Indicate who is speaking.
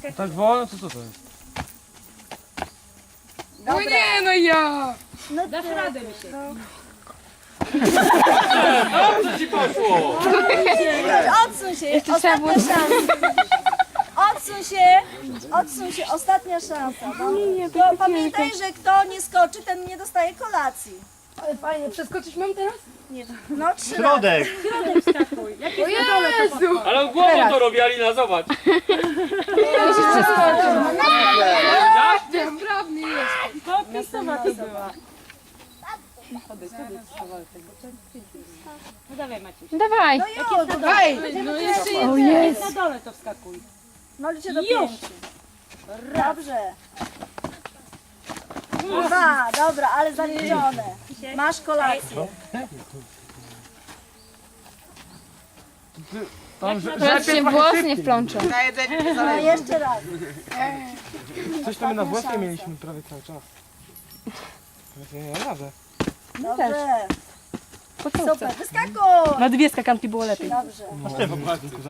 Speaker 1: Tak wolno, to co to jest?
Speaker 2: No nie, no ja!
Speaker 3: No
Speaker 4: Dasz radę, Misiek.
Speaker 5: Dobrze ci poszło!
Speaker 3: Odsuń się, ostatnia szansa. Odsuń się, ostatnia szansa. No, pamiętaj, że kto nie skoczy, ten nie dostaje kolacji.
Speaker 2: Ale fajnie, przeskoczyć mam teraz?
Speaker 3: Nie. No 3 razy.
Speaker 5: Środek!
Speaker 2: O Jezu!
Speaker 5: Ale on głową to robi, Alina, zobacz!
Speaker 2: Sprawny jest.
Speaker 4: Popisowa to była. No dawaj, Maciuś.
Speaker 6: Dawaj.
Speaker 3: No już,
Speaker 2: Dawaj!
Speaker 4: No jeszcze
Speaker 6: O
Speaker 4: jest.
Speaker 6: jest.
Speaker 4: Na dole to wskakuj.
Speaker 3: no liczę do
Speaker 4: Już.
Speaker 3: 5. Dobrze. 2, dobra, ale zaliczone. Masz kolację.
Speaker 1: Tam,
Speaker 6: Teraz się włos nie wplączą.
Speaker 3: No jeszcze raz.
Speaker 1: Coś tam na włosy mieliśmy prawie cały czas. Ja nie mam radę.
Speaker 3: Dobrze. Super, wyskakuj.
Speaker 2: Na 2 skakanki było lepiej.
Speaker 3: Dobrze.